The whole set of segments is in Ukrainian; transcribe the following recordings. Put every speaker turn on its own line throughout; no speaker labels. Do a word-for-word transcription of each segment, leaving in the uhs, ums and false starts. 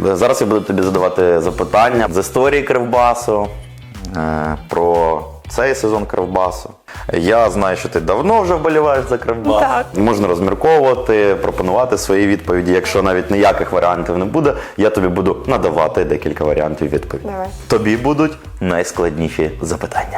Зараз я буду тобі задавати запитання з історії Кривбасу, про цей сезон Кривбасу. Я знаю, що ти давно вже вболіваєш за Кривбас.
Так.
Можна розмірковувати, пропонувати свої відповіді. Якщо навіть ніяких варіантів не буде, я тобі буду надавати декілька варіантів відповіді.
Давай.
Тобі будуть найскладніші запитання.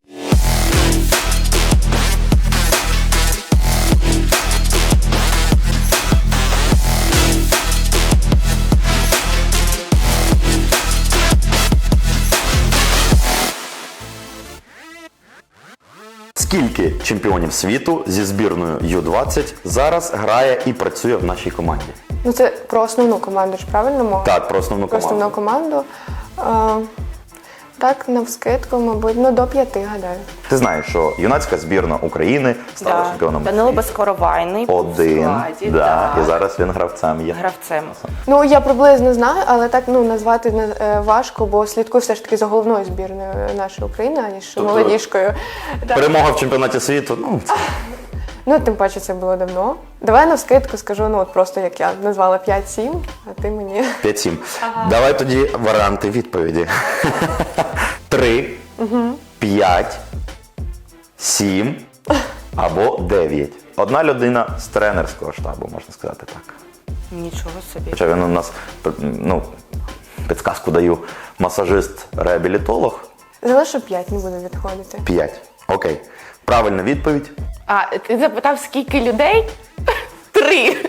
Скільки чемпіонів світу зі збірною ю двадцять зараз грає і працює в нашій команді?
Ну це про основну команду ж, правильно мова?
Так, про основну
Про
команду.
основну команду. А, так, навскидку, мабуть, ну до п'яти, гадаю.
Ти знаєш, що юнацька збірна України стала
Да.
чемпіоном
Данило Безкоровайний був в
один.
складі,
Да.
да.
І зараз він гравцем є.
Гравцем.
Ну, я приблизно знаю, але так ну назвати не е, важко, бо слідкую все ж таки за головною збірною нашої України, аніж
Тобто-
молодіжкою. Так.
Перемога в чемпіонаті світу, ну, це
Ну, тим паче це було давно. Давай навскидку скажу, ну от просто як я назвала п'ять-сім, а ти мені.
п'ять-сім. Давай тоді варіанти відповіді. Три, п'ять, сім або дев'ять. Одна людина з тренерського штабу, можна сказати так.
Нічого собі.
Хоча він у нас, ну, підказку даю, масажист-реабілітолог.
Залишу п'ять, не буду відходити.
п'ять. Окей. Правильна відповідь.
А, ти запитав, скільки людей? Три.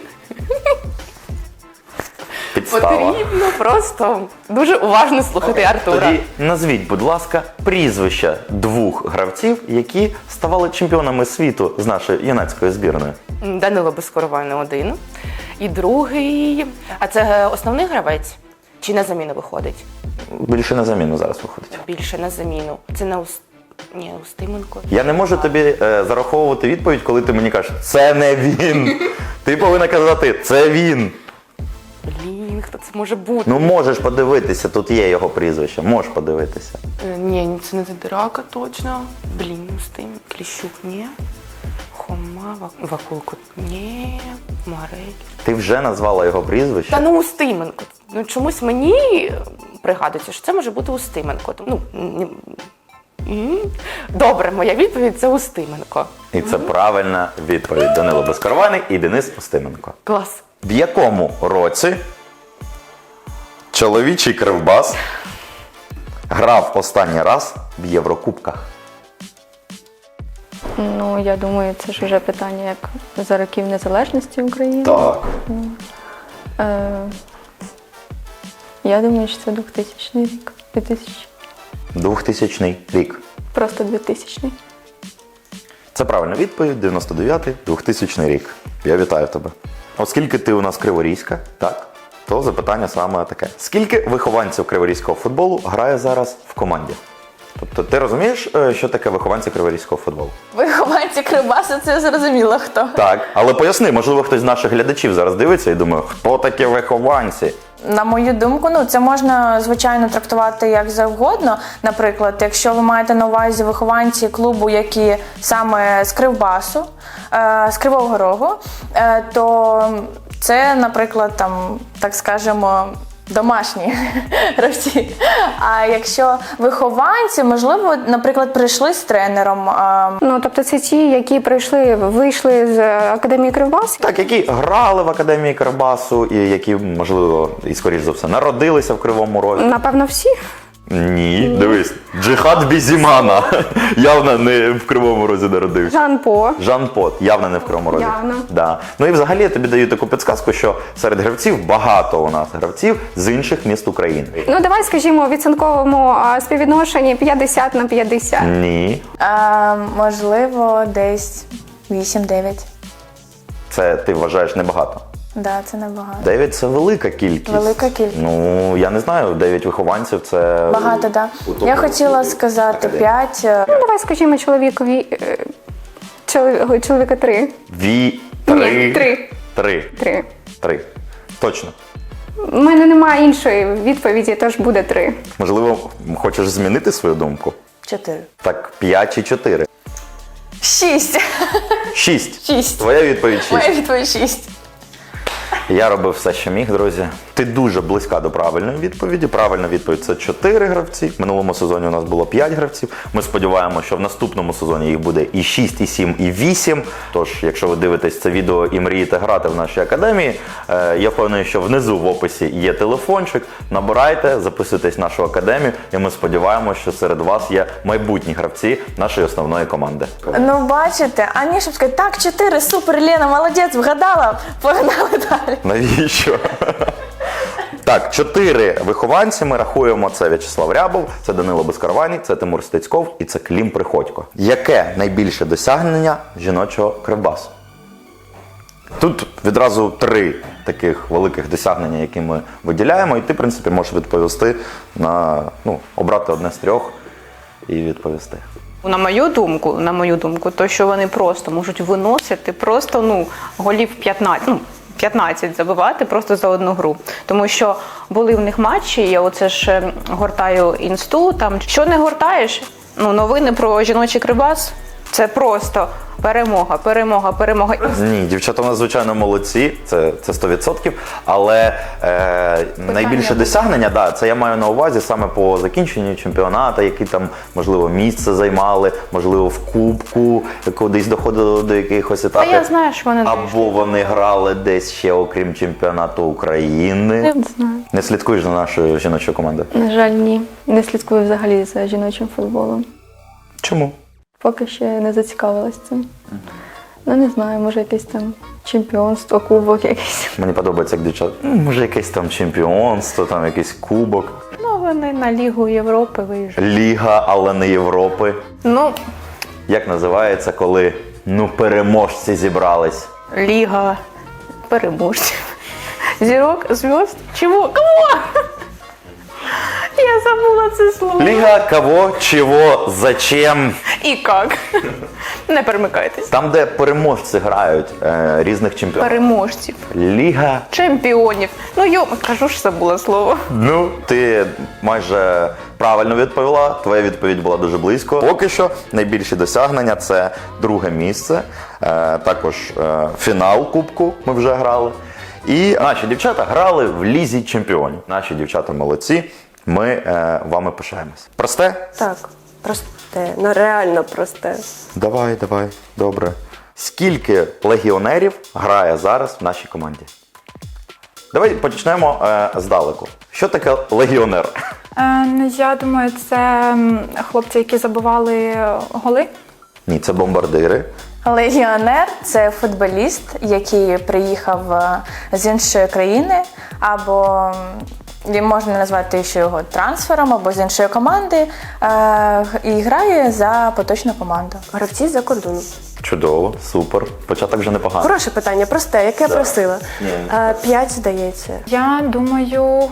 Підстава.
Потрібно просто дуже уважно слухати Артура.
Тоді назвіть, будь ласка, прізвища двох гравців, які ставали чемпіонами світу з нашої юнацької збірної.
Данило Безкоровайний один. І другий. А це основний гравець? Чи на заміну виходить?
Більше на заміну зараз виходить.
Більше на заміну. Це не Ус... Ні, Устименко.
Я не можу тобі е, зараховувати відповідь, коли ти мені кажеш, це не він. Ти повинна казати, це він.
Блін, хто це може бути?
Ну можеш подивитися, тут є його прізвище, можеш подивитися.
Е, Ні, це не Драка точно. Блін, Устим, Кліщук, ні. Хома, Вак- Вакулко, ні. Марель.
Ти вже назвала його прізвище.
Та ну Устименко. Ну чомусь мені пригадується, що це може бути Устименко. Ну, ні. М. Добре, моя відповідь це Устименко.
І це правильна відповідь. Данило Безкоровайний і Денис Устименко.
Клас.
В якому році чоловічий Кривбас грав останній раз в Єврокубках?
Ну, я думаю, це ж вже питання як за років незалежності України.
Так.
Е, я думаю, що це двохтисячний рік. двохтисячний.
двохтисячний рік.
Просто двохтисячний.
Це правильна відповідь. дев'яносто дев'ятий, двохтисячний рік. Я вітаю тебе. Оскільки ти у нас криворізька, так, то запитання саме таке. Скільки вихованців криворізького футболу грає зараз в команді? Тобто ти розумієш, е, що таке вихованці криворізького футболу?
Вихованці Кривбасу, це зрозуміло хто.
Так, але поясни, можливо, хтось з наших глядачів зараз дивиться і думає, хто такі вихованці?
На мою думку, ну це можна звичайно трактувати як завгодно. Наприклад, якщо ви маєте на увазі вихованці клубу, які саме з Кривбасу, е, з Кривого Рогу, е, то це, наприклад, там, так скажемо, домашні гравці. А якщо вихованці, можливо, наприклад, прийшли з тренером. е,
Ну, тобто це ті, які прийшли, вийшли з Академії Кривбас.
Так, які грали в Академії Кривбасу і які, можливо, і скоріш за все, народилися в Кривому Розі.
Напевно, всі.
Ні, дивись, Джихад Бізімана явно не в Кривому Розі народився.
Жан По.
Жан Пот, явно не в Кривому Розі.
Явно.
Да. Ну і взагалі я тобі даю таку підсказку, що серед гравців багато у нас гравців з інших міст України.
Ну, давай, скажімо, у відсотковому а, співвідношенні п'ятдесят на п'ятдесят.
Ні,
е, можливо, десь вісім-дев'ять.
це ти вважаєш небагато.
Да, це небагато.
Дев'ять – це велика кількість.
Велика кількість.
Ну, я не знаю, дев'ять вихованців – це...
Багато, так. Да.
у
Я
топових
хотіла
клубів
сказати
Академії.
п'ять. е,
Ну, давай, скажімо, чоловікові. е, чолові- Чоловіка три.
Ві... Три.
Ні, три.
Три.
Три.
Три. Точно.
У мене немає іншої відповіді, тож буде три.
Можливо, хочеш змінити свою думку?
Чотири.
Так, п'ять чи чотири?
Шість.
Шість.
Шість.
Твоя відповідь шість.
Моя відповідь шість.
Я робив все, що міг, друзі. Ти дуже близька до правильної відповіді. Правильна відповідь – це чотири гравці. В минулому сезоні у нас було п'ять гравців. Ми сподіваємося, що в наступному сезоні їх буде і шість, і сім, і вісім. Тож, якщо ви дивитесь це відео і мрієте грати в нашій академії, е, я впевнений, що внизу в описі є телефончик. Набирайте, записуйтесь в нашу академію, і ми сподіваємося, що серед вас є майбутні гравці нашої основної команди.
Ну, бачите, а ні, щоб сказати, так, чотири, супер, Лена, молодець, вгадала, погнали далі.
Навіщо? Так, чотири вихованці ми рахуємо. Це В'ячеслав Рябов, це Данило Безкарваній, це Тимур Стецьков і це Клім Приходько. Яке найбільше досягнення жіночого кривбасу? Тут відразу три таких великих досягнення, які ми виділяємо, і ти, в принципі, можеш відповісти на, ну, обрати одне з трьох і відповісти.
На мою думку, на мою думку, то що вони просто можуть виносити просто ну голів п'ятнадцять, ну, п'ятнадцять забивати просто за одну гру. Тому що були в них матчі, я оце ж е, гортаю інсту, там що не гортаєш, ну новини про жіночий кривбас – це просто перемога, перемога, перемога.
Ні, дівчата у нас, звичайно, молодці, це, це сто відсотків, але е, найбільше досягнення, да, це я маю на увазі саме по закінченню чемпіонату, які там, можливо, місце займали, можливо, в кубку, кудись доходили до якихось
Та
етапів.
я знаю, що вони
Або вони грали десь ще, окрім чемпіонату України.
Я не знаю.
Не слідкуєш за нашою жіночою командою?
На жаль, ні. Не слідкую взагалі за жіночим футболом.
Чому?
Поки ще не зацікавилась цим. Ну, не знаю, може якесь там чемпіонство, кубок якийсь.
Мені подобається, як дівчата, ну, може, якесь там чемпіонство, там якийсь кубок.
ну, вони на Лігу Європи виїжджають.
Ліга, але не Європи.
Ну,
Як називається, коли, ну, переможці зібрались?
Ліга переможців. Зірок, зв'язд, чого? Кого? Я забула це слово.
Ліга, кого, чого, зачем?
І як? Не перемикайтесь.
Там, де переможці грають е, різних чемпіонів.
Переможців.
Ліга.
Чемпіонів. Ну, йо, кажу ж, забула слово.
Ну, ти майже правильно відповіла, твоя відповідь була дуже близько. Поки що найбільші досягнення – це друге місце, е, також е, фінал Кубку ми вже грали. І наші дівчата грали в Лізі чемпіонів. Наші дівчата молодці, ми е, вами пишаємось. Просте?
Так, просте, ну реально просте.
Давай, давай, добре. Скільки легіонерів грає зараз в нашій команді? Давай почнемо е, здалеку. Що таке легіонер?
Е, ну, я думаю, це м, хлопці, які забивали голи.
Ні, це бомбардири.
Легіонер – це футболіст, який приїхав е, з іншої країни, або м, можна назвати ще його трансфером, або з іншої команди, е, і грає за поточну команду.
Гравці за кордоном.
Чудово, супер. Початок вже непоганий.
Хороше питання, просте, яке я
Да.
просила.
Ні.
Е, П'ять, здається.
Я думаю,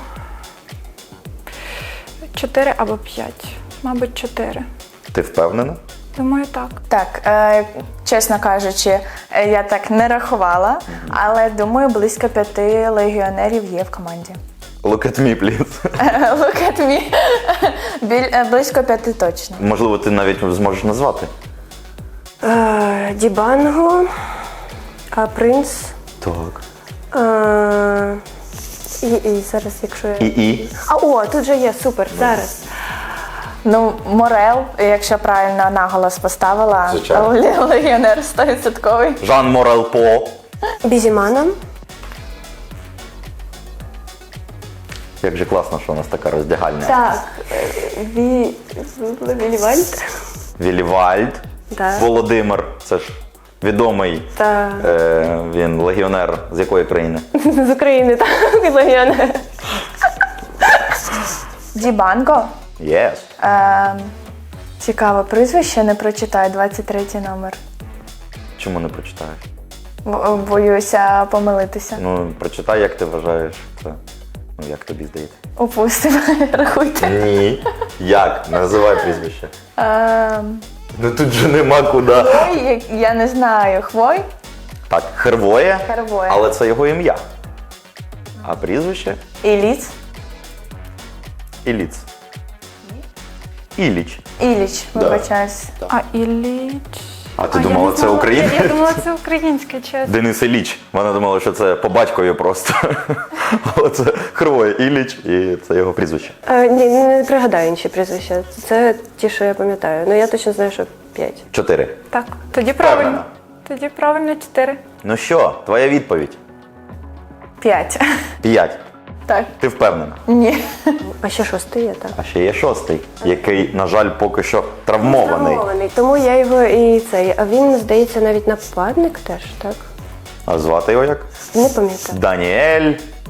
чотири або п'ять. Мабуть, чотири.
Ти впевнена?
Думаю, так.
Так, е, чесно кажучи, е, я так не рахувала, але думаю, близько п'яти легіонерів є в команді.
Look at me, please.
Look at me. Біль, е, близько п'яти точно.
Можливо, ти навіть зможеш назвати.
Е, Дібанго, е, Принц.
Так.
Е, і, і зараз, якщо я...
І і.
А, о, тут же є, супер, зараз.
Ну, Морел, якщо правильно наголос поставила,
Звичайно.
ле- легіонер сто відсотків.
Жан Морел По.
Бізімана.
Як же класно, що у нас така роздягальня.
Так, е, Ві... Вілівальд.
Вілівальд.
Да.
Володимир. Це ж відомий.
Та...
Е, він легіонер з якої країни?
З України, так, легіонер.
Дібанго.
Yes.
Е, цікаве прізвище, не прочитаю, двадцять третій номер.
Чому не прочитаєш?
Бо- Боюся помилитися.
Ну, прочитай, як ти вважаєш це. Ну, як тобі здається?
Упустимо, рахуйте.
Ні. Як? Називай прізвище.
Е,
Ну тут же нема куди.
Хвой, я не знаю, Хвой?
Так, Хервоє,
Хервоє.
але це його ім'я. А прізвище?
Іліц?
Іліц. Іліч.
Іліч,
Да.
вибачаюсь.
А Ілліч...
А ти
А, я
думала,
не
це
знала.
українське?
Я думала, це українське, чесно.
Денис Ілліч. Вона думала, що це по батькові просто. Але це Хривой Ілліч, і це його прізвище.
Е, ні, не пригадаю інші прізвища. Це ті, що я пам'ятаю. Ну я точно знаю, що п'ять.
Чотири.
Так, тоді правильно.
Впевнена?
Тоді правильно чотири.
Ну що, твоя відповідь?
П'ять.
П'ять.
Так.
Ти впевнена?
Ні.
А ще шостий є, так.
А ще є шостий, який, на жаль, поки що травмований.
Травмований. Тому я його і цей. А він, здається, навіть нападник теж, так?
А звати його як?
Не пам'ятаю.
Даніель.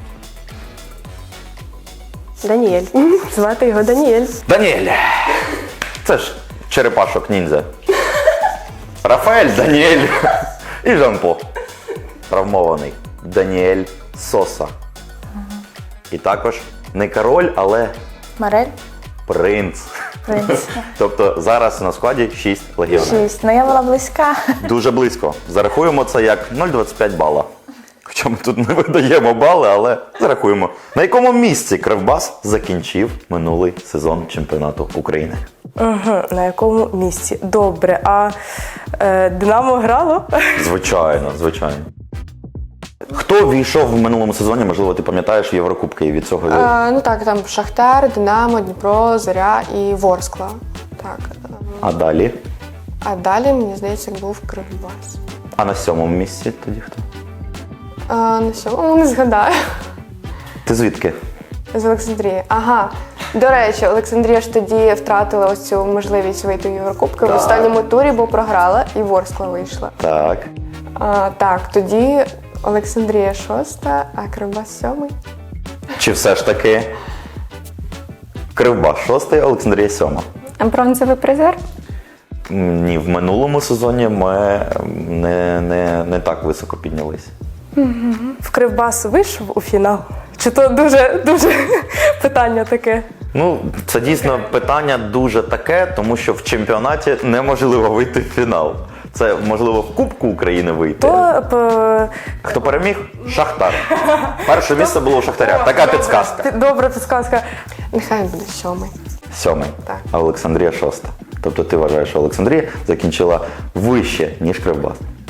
Даніель. Звати його Даніель.
Даніель. Це ж черепашок ніндзя. Рафаель, Даніель і Жан-Пол. Травмований. Даніель Соса. І також не король, але
Марель.
принц.
Принц.
Тобто зараз на складі шість легіонерів.
Шість. Ну я була близька.
Дуже близько. Зарахуємо це як нуль цілих двадцять п'ять бала. Хоча ми тут не видаємо бали, але зарахуємо. На якому місці Кривбас закінчив минулий сезон чемпіонату України?
Угу, на якому місці? Добре. А е, Динамо грало?
Звичайно, звичайно. Хто війшов в минулому сезоні, можливо, ти пам'ятаєш, в Єврокубки і від цього?
Е, ну так, там Шахтар, Динамо, Дніпро, Зоря і Ворскла. Так.
А далі?
А далі, мені здається, був Кривбас.
А на сьомому місці тоді хто?
А, на сьому не згадаю.
Ти звідки?
З Олександрії. Ага. До речі, Олександрія ж тоді втратила ось цю можливість вийти в Єврокубки. В останньому турі, бо програла, і Ворскла вийшла.
Так.
А, так, тоді Олександрія шоста, а Кривбас сьомий.
Чи все ж таки Кривбас шостий, Олександрія сьома?
Бронзовий призер?
Ні, в минулому сезоні ми не, не, не так високо піднялися.
В Кривбас вийшов у фінал? Чи то дуже, дуже питання таке?
Ну, це дійсно питання дуже таке, тому що в чемпіонаті неможливо вийти в фінал. Це можливо в Кубку України вийти.
То п-
Хто переміг? Шахтар. Перше місце було у Шахтаря. Така підсказка.
пі- добра підсказка.
Нехай буде сьомий.
Сьомий.
Так.
А Олександрія шоста. Тобто ти вважаєш, що Олександрія закінчила вище, ніж Кривбас.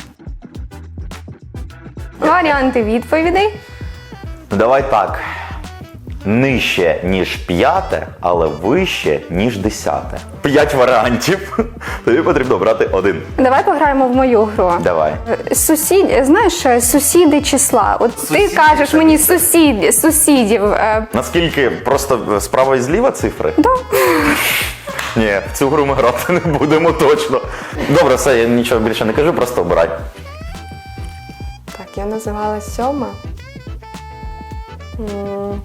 Варіанти відповідей.
Ну, давай так. Нижче, ніж п'яте, але вище, ніж десяте. П'ять варіантів. Тобі потрібно брати один.
Давай пограємо в мою гру.
Давай.
Сусід, знаєш, сусіди числа. От
Сусіди,
ти кажеш
це
мені
місце.
сусід, сусідів. е,
Наскільки просто справа і зліва цифри?
Да.
Ні, в цю гру ми грати не будемо точно. Добре, все, я нічого більше не кажу, просто обирай.
Так, я називала сьома. М.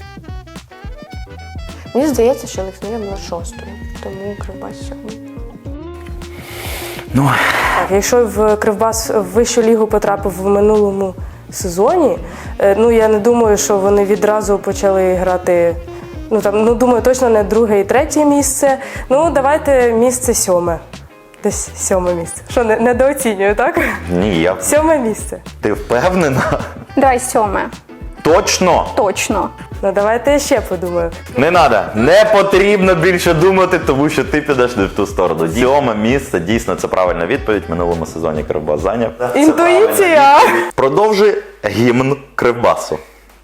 Мені здається, що Олександрія була шостою, тому Кривбас сьомий.
Ну,
Так, якщо в Кривбас в вищу лігу потрапив в минулому сезоні, е, ну я не думаю, що вони відразу почали грати. Ну там, ну думаю, точно не друге і третє місце. Ну, давайте місце сьоме. Десь сьоме місце. Що, не, недооцінюю, так?
ні, я...
Сьоме місце.
Ти впевнена?
Давай сьоме.
Точно?
Точно.
Ну давайте я ще подумаю.
Не треба, не потрібно більше думати, тому що ти підеш не в ту сторону. Сьоме місце, дійсно, це правильна відповідь. В минулому сезоні Кривбас зайняв. Це
Інтуїція!
правильна відповідь. Продовжуй гімн Кривбасу.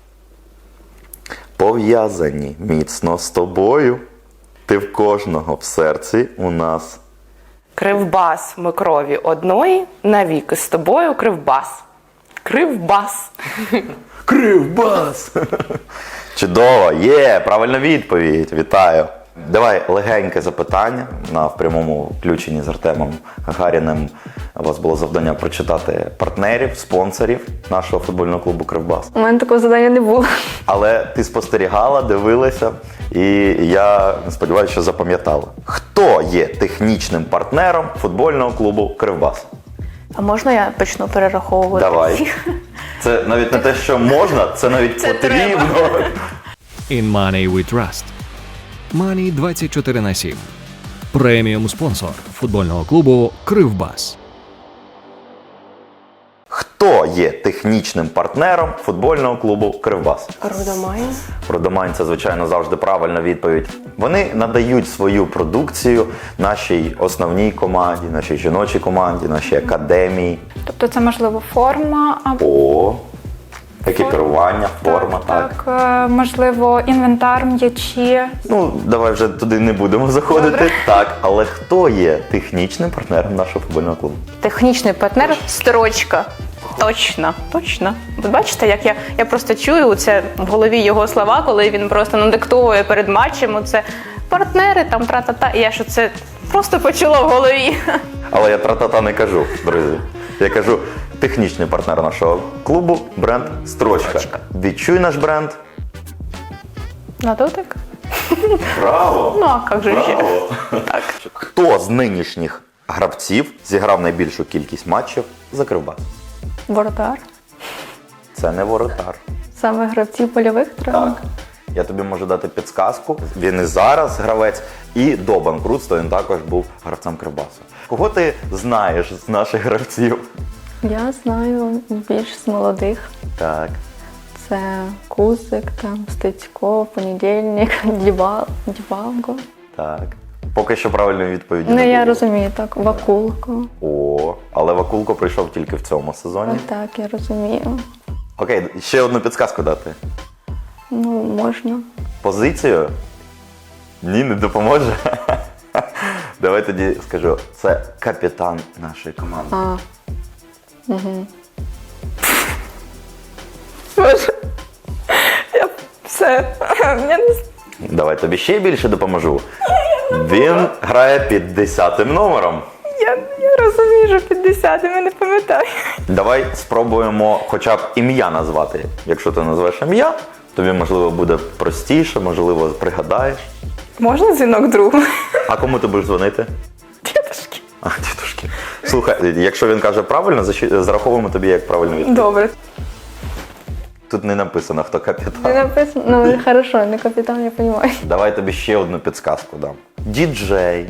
Пов'язані міцно з тобою, ти в кожного в серці у нас.
Кривбас, ми крові одної, навіки з тобою Кривбас. Кривбас.
Кривбас! Чудово, є, правильна відповідь, вітаю. Давай легеньке запитання. На в прямому включенні з Артемом Гагаріним у вас було завдання прочитати партнерів, спонсорів нашого футбольного клубу Кривбас.
У мене такого завдання не було.
Але ти спостерігала, дивилася, і я сподіваюся, що запам'ятала. Хто є технічним партнером футбольного клубу Кривбас?
А можна я почну перераховувати?
Давай. Це навіть не те, що можна, це навіть
Це
потрібно.
In Money We Trust. Money двадцять чотири на сім. Преміум спонсор футбольного клубу Кривбас.
Хто Хто є технічним партнером футбольного клубу «Кривбас»?
Рудомайн.
Родомайн – це, звичайно, завжди правильна відповідь. Вони надають свою продукцію нашій основній команді, нашій жіночій команді, нашій академії.
Тобто це можливо форма або
О, екіпірування, форма, так.
так, е, можливо, інвентар, м'ячі.
Ну, давай вже туди не будемо заходити.
Добре.
Так, але хто є технічним партнером нашого футбольного клубу?
Технічний партнер строчка. Точно, точно. Ви бачите, як я, я просто чую це в голові його слова, коли він просто надиктовує перед матчем. Оце партнери, там тра-та-та. І я що це просто почула в голові.
Але я тра-та-та не кажу, друзі. Я кажу, технічний партнер нашого клубу – бренд «Строчка».
Строчка.
Відчуй наш бренд.
На дотик?
Браво!
Ну, а як же ще? Так.
Хто з нинішніх гравців зіграв найбільшу кількість матчів за Кривбас?
Воротар.
Це не воротар.
Саме гравців польових травм.
Так. Я тобі можу дати підсказку. Він і зараз гравець, і до банкрутства він також був гравцем Кривбасу. Кого ти знаєш з наших гравців?
Я знаю більш з молодих.
Так.
Це Кузик, там, Стецько, Понедільник, Дібал, Дібалко.
Так. Поки що правильної відповіді
Ну,
не
я
було.
розумію, так, Вакулко.
О, але Вакулко прийшов тільки в цьому сезоні.
Ось так, я розумію.
Окей, ще одну підсказку дати.
Ну, можна.
Позицію? Ні, не допоможе. Давай тоді скажу, це капітан нашої команди.
А. Угу.
Боже, я все. Я не з-
Давай тобі ще більше допоможу. Він грає під десятим номером.
я, я розумію, що п'ятдесят, я не пам'ятаю.
Давай спробуємо хоча б ім'я назвати. Якщо ти назвеш ім'я, тобі, можливо, буде простіше, можливо, пригадаєш.
Можна дзвінок другу?
А кому ти будеш дзвонити?
Дідушки.
А, дідушки. Слухай, якщо він каже правильно, защ- зараховуємо тобі як правильну відповідь.
Добре.
Тут не написано, хто
Не
капітан.
написано, ну, хорошо, не капітан, я розумію.
Давай тобі ще одну підсказку дам. Діджей.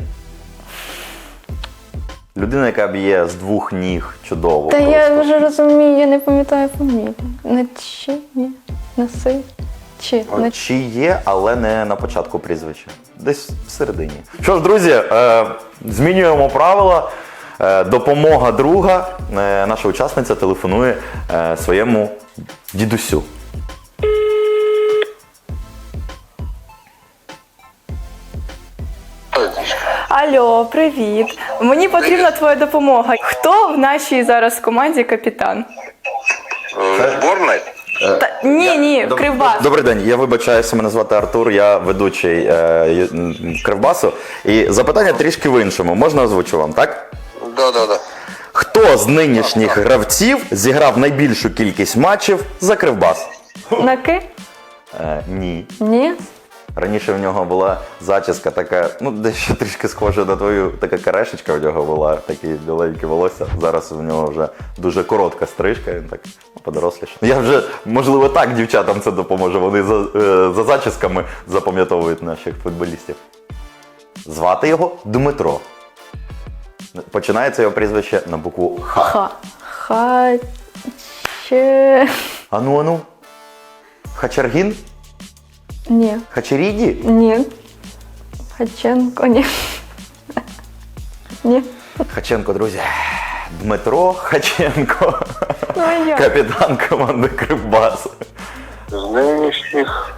Людина, яка б'є з двох ніг чудово.
Та
просто.
я вже розумію, я не пам'ятаю фамілію. Не чи, ні, не си, чи, не
Чи є, але не на початку прізвища. Десь всередині. Що ж, друзі, е, змінюємо правила. Е, допомога друга. Е, наша учасниця телефонує е, своєму дідусю.
Алло, привіт. Мені потрібна твоя допомога. Хто в нашій зараз команді капітан?
Зборної?
Та, ні, ні, в Кривбас.
Добрий день, я вибачаюся, мене звати Артур, я ведучий е, ю- м, Кривбасу. І запитання трішки в іншому. Можна озвучу вам, так?
Да, да, да.
Хто з нинішніх гравців зіграв найбільшу кількість матчів за Кривбас?
на ки?
Е, ні.
Ні?
Раніше в нього була зачіска така, ну дещо трішки схожа на твою, така карешечка в нього була, такі біленькі волосся. Зараз в нього вже дуже коротка стрижка, він так подоросліше. Я вже, можливо, так дівчатам це допоможе, вони за, е, за зачісками запам'ятовують наших футболістів. Звати його Дмитро. Починається його прізвище на букву Х.
Ха. Ха. Че.
Ану, ану. Хачаргін?
Ні.
Хачеріді?
Ні. Хаченко, ні. Ні.
Хаченко, друзі. Дмитро Хаченко.
Ну, а як?
Капітан команди Кривбас.
З нинішніх.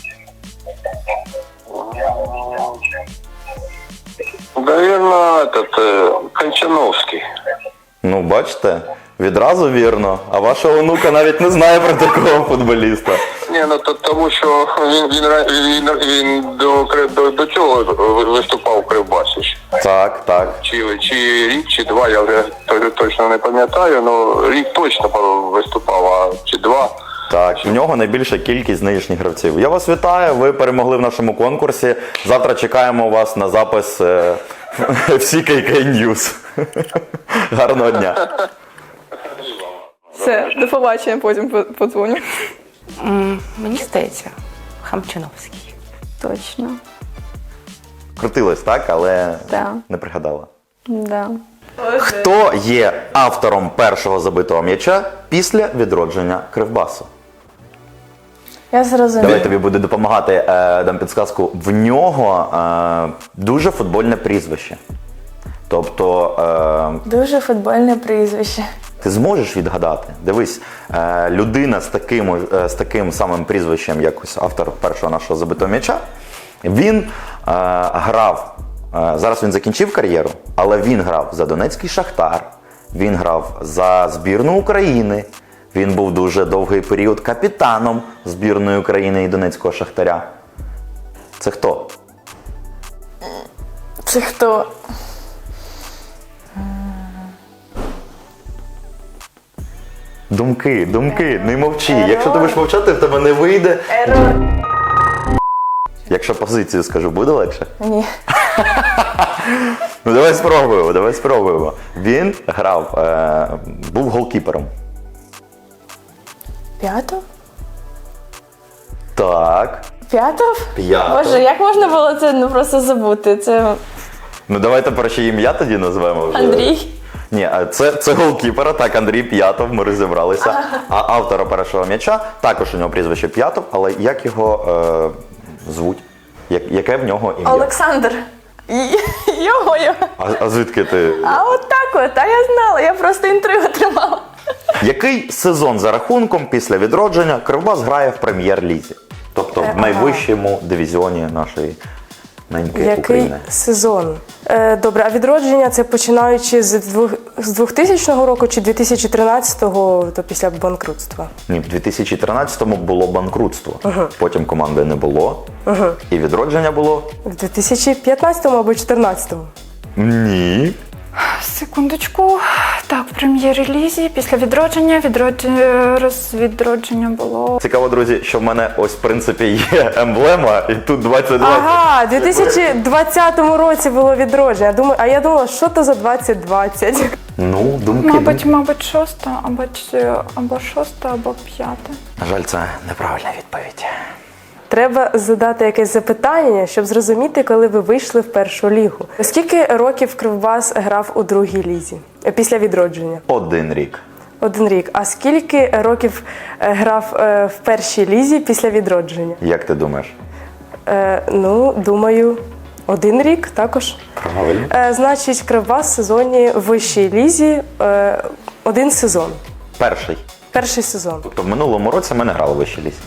Наверное, этот, э, Кончановський.
Ну, бачите, відразу вірно. А ваша онука навіть не знає про такого футболіста.
Ні, ну то, тому що він, він, ра- він, він до, Кри- до, до цього виступав в Кривбасі. ще.
Так, так.
Чи, чи рік, чи два, я вже то- точно не пам'ятаю, ну рік точно виступав, а чи два.
Так, в нього найбільша кількість нинішніх гравців. Я вас вітаю, ви перемогли в нашому конкурсі. Завтра чекаємо вас на запис е, в сі кей кей News. Гарного дня.
Все, до побачення, потім по- подзвоню.
М, Мені здається, Хамчиновський.
Точно.
Крутилось, так, але
Так.
не пригадала.
Да.
Хто є автором першого забитого м'яча після відродження Кривбасу?
Я зрозуміла.
Давай тобі буде допомагати, е, дам підсказку. В нього е, дуже футбольне прізвище. Тобто е,
Дуже футбольне прізвище.
ти зможеш відгадати. Дивись, е, людина з таким, е, з таким самим прізвищем, як ось автор першого нашого забитого м'яча, він е, грав, е, зараз він закінчив кар'єру, але він грав за Донецький Шахтар, він грав за збірну України, він був дуже довгий період капітаном збірної України і Донецького Шахтаря. Це хто?
Це хто?
Думки, думки, не мовчи. Якщо ти будеш мовчати, в тебе не вийде. Якщо позицію скажу, буде легше?
Ні.
Ну давай спробуємо, давай спробуємо. Він грав, е, був голкіпером.
П'ятов?
Так.
П'ятов?
П'ятов.
Боже, як можна було це ну, просто забути? Це
Ну давайте перше ім'я тоді назвемо вже.
Андрій.
Ні, а це, це голкіпера, так, Андрій П'ятов, ми розібралися. А автора першого м'яча, також у нього прізвище П'ятов, але як його е, звуть? Як, яке в нього ім'я?
Олександр. Його його.
А, а звідки ти?
А от так от, а я знала, я просто інтригу тримала.
Який сезон за рахунком після відродження Кривбас грає в прем'єр-лізі? Тобто в найвищому дивізіоні нашої неньки
Який
України.
сезон? Е, добре, а відродження це починаючи з, двох, з двохтисячного року чи дві тисячі тринадцятого, то після банкрутства?
Ні, в дві тисячі тринадцятому було банкрутство, потім команди не було, і відродження було?
В дві тисячі п'ятнадцятому або дві тисячі чотирнадцятому?
Ні.
Секундочку. Так, в прем'єр-лізі після відродження, відродження, роз, відродження було.
Цікаво, друзі, що в мене ось в принципі є емблема, і тут двадцять двадцять.
Ага, в дві тисячі двадцятому році було відродження. Думаю, а я думала, що то за двадцять двадцять?
Ну, думки.
Мабуть,
думки.
мабуть, шоста, або, ч- або шоста, або п'яте.
На жаль, це неправильна відповідь.
Треба задати якесь запитання, щоб зрозуміти, коли ви вийшли в першу лігу. Скільки років Кривбас грав у другій лізі е, після відродження?
Один рік.
Один рік. А скільки років е, грав е, в першій лізі після відродження?
Як ти думаєш?
Е, ну, думаю, один рік також.
Правильно.
Е, значить, Кривбас в сезоні в вищій лізі е, один сезон.
Перший.
Перший сезон.
Тобто в минулому році ми не грали в вищій лізі.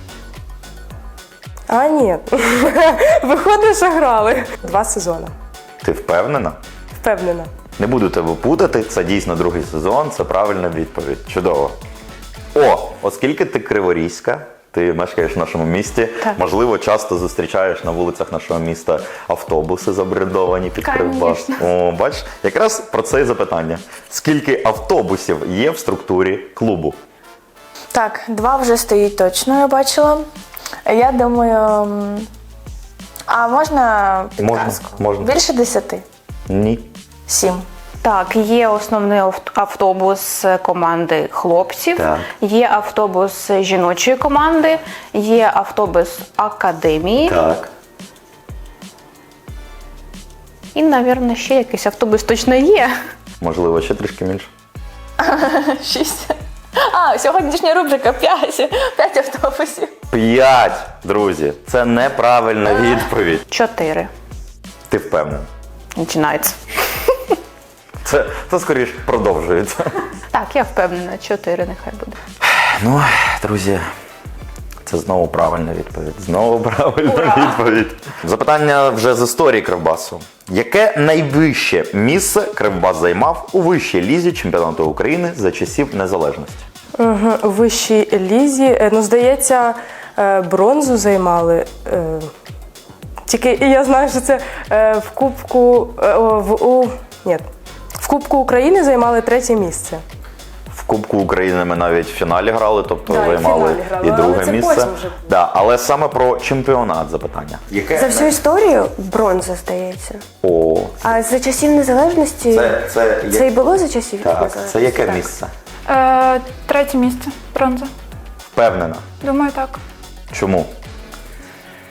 А, ні. Виходить, що грали. Два сезони.
Ти впевнена?
Впевнена.
Не буду тебе путати, це дійсно другий сезон, це правильна відповідь. Чудово. О, оскільки ти криворізька, ти мешкаєш в нашому місті, можливо, часто зустрічаєш на вулицях нашого міста автобуси забрендовані під Кривбас. О, бачиш, якраз про це і запитання. Скільки автобусів є в структурі клубу?
Так, два вже стоїть точно, я бачила. Я думаю. м, А можна підказку?
Можна, можна.
Більше десяти?
Ні.
Сім.
Так, є основний авт- автобус команди хлопців,
Так.
є автобус жіночої команди, є автобус академії
Так.
і, мабуть, ще якийсь автобус точно є.
Можливо, ще трішки менше.
Шість. А, сьогоднішня рубрика п'ять. П'ять автобусів.
П'ять, друзі. Це неправильна відповідь.
Чотири.
Ти впевнена?
Починається.
Це, це скоріше продовжується.
Так, я впевнена, чотири нехай буде.
Ну, друзі, це знову правильна відповідь. Знову правильна відповідь. Запитання вже з історії Кривбасу. Яке найвище місце Кривбас займав у вищій лізі чемпіонату України за часів незалежності?
Угу. У вищій лізі, е, ну, здається, е, бронзу займали. Е, Тільки я знаю, що це е, в Кубку е, о, в у ні, в Кубку України займали третє місце.
В Кубку України ми навіть в фіналі грали, тобто
Да, і в
займали
фіналі грали,
і
але
друге
це
місце.
потім вже було.
Да, але саме про чемпіонат запитання. Яке
За всю історію бронза, здається.
О,
А за часів незалежності
це, це,
це і було за часів
так,
незалежності?
це яке
Так.
місце?
Е, третє місце. Бронза.
Впевнена.
Думаю, так.
Чому?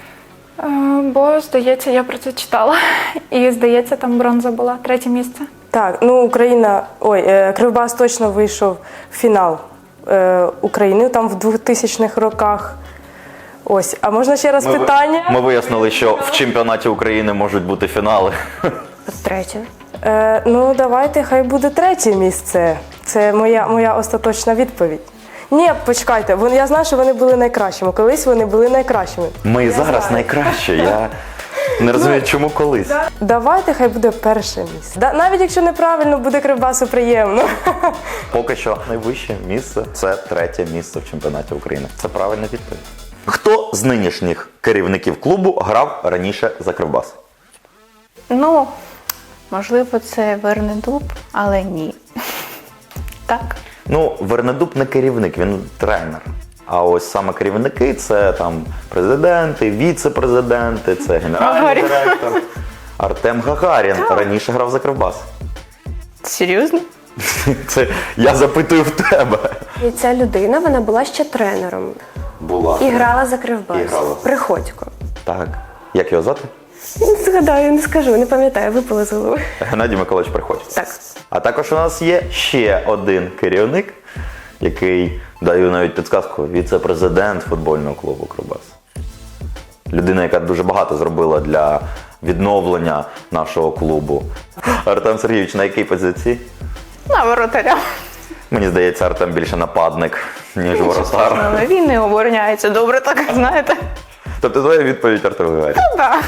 Е, бо, здається, я про це читала. І, здається, там бронза була. Третє місце.
Так, ну Україна, ой, е, Кривбас точно вийшов в фінал е, України там в двохтисячних роках. Ось, а можна ще раз
Ми, ви-
питання?
ми вияснили, що в чемпіонаті України можуть бути фінали.
Третє.
Е, ну, давайте, хай буде третє місце. Це моя, моя остаточна відповідь. Ні, почекайте, вони, я знаю, що вони були найкращими. Колись вони були найкращими.
Ми і зараз найкраще. Я не розумію, чому колись.
Давайте, хай буде перше місце. Да, навіть якщо неправильно, буде Кривбасу приємно.
Поки що найвище місце це третє місце в чемпіонаті України. Це правильна відповідь. Хто з нинішніх керівників клубу грав раніше за Кривбас?
Ну, можливо, це Вернедуб, але ні. Так.
Ну, Вернедуб не керівник, він тренер. А ось саме керівники це там президенти, віце-президенти, це генеральний
Гагарін.
директор. Артем Гагарін раніше грав за Кривбас.
Серйозно?
Це я запитую в тебе.
І ця людина, вона була ще тренером.
Була.
І грала за Кривбас.
І грала.
Приходько.
Так. Як його звати?
Ну, згадаю, не скажу, не пам'ятаю, випало з голови.
Геннадій Миколаївич Приходько.
Так.
А також у нас є ще один керівник, який, даю навіть підсказку, віце-президент футбольного клубу Кривбас. Людина, яка дуже багато зробила для відновлення нашого клубу. Артем Сергійович, на якій позиції?
На воротаря.
Мені здається, Артем більше нападник, ніж воротар.
Але він не обороняється добре, так знаєте.
Тобто твоя відповідь Артем Гагарін.
Так.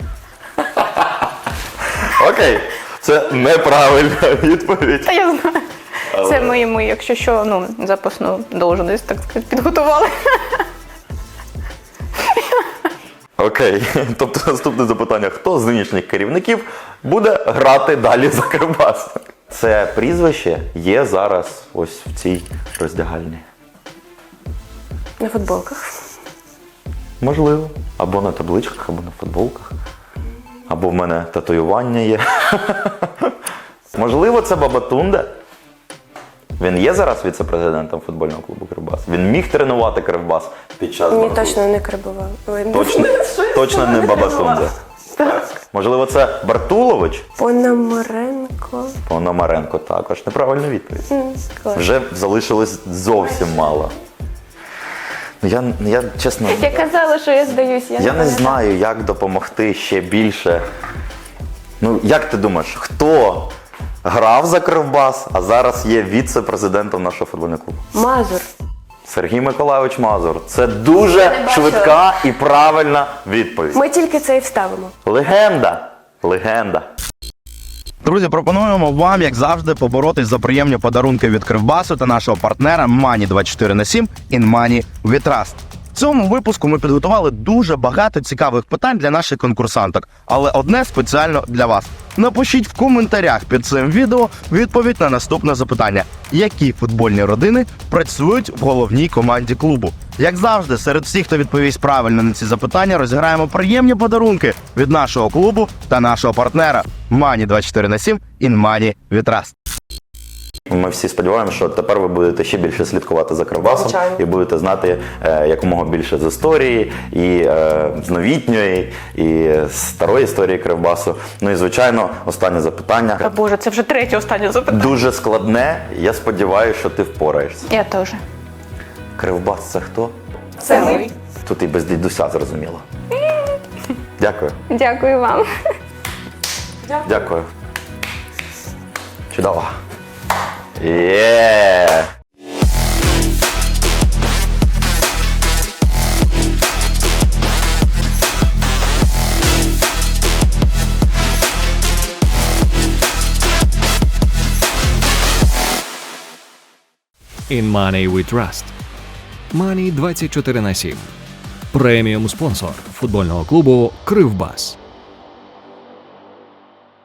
Окей, це неправильна відповідь.
Та я знаю. Це ми йому, якщо що, ну, запасну должність, так сказати, підготували.
Окей, тобто наступне запитання. Хто з нинішніх керівників буде грати далі за Кривбас? Це прізвище є зараз ось в цій роздягальні.
На футболках.
Можливо. Або на табличках, або на футболках. Або в мене татуювання є. Можливо, це Бабатунде. Він є зараз віце-президентом футбольного клубу Кривбас. Він міг тренувати Кривбас під час
Ні,
Барту?
точно не Крибова. Ой,
Точно, точно не Бабатунде. Можливо, це Бартулович?
Пономаренко.
Пономаренко також. Неправильна відповідь.
М, клас.
Вже залишилось зовсім мало. Ну, Я, я чесно,
Я казала, що я здаюсь. Я,
я не знаю, як допомогти ще більше. Ну, як ти думаєш, хто грав за Кривбас, а зараз є віце-президентом нашого футбольного клубу?
Мазур.
Сергій Миколайович Мазур. Це дуже швидка і правильна відповідь.
Ми тільки це і вставимо.
Легенда. Легенда.
Друзі, пропонуємо вам, як завжди, поборотись за приємні подарунки від Кривбасу та нашого партнера Money двадцять чотири на сім in Money we Trust. В цьому випуску ми підготували дуже багато цікавих питань для наших конкурсанток, але одне спеціально для вас. Напишіть в коментарях під цим відео відповідь на наступне запитання. Які футбольні родини працюють в головній команді клубу? Як завжди, серед всіх, хто відповість правильно на ці запитання, розіграємо приємні подарунки від нашого клубу та нашого партнера Money двадцять чотири на сім in Money we Trust.
Ми всі сподіваємося, що тепер ви будете ще більше слідкувати за Кривбасом і будете знати е, якомога більше з історії, і е, з новітньої, і з старої історії Кривбасу. Ну і, звичайно, останнє запитання.
Та Боже, це вже третє останнє запитання.
Дуже складне, я сподіваюся, що ти впораєшся.
Я теж.
Кривбас – це хто?
Це ми.
Тут і без дідуся зрозуміло. Дякую.
Дякую вам.
Дякую. Чудово. Є!
In Money we Trust. Money двадцять чотири на сім. Преміум спонсор футбольного клубу Кривбас.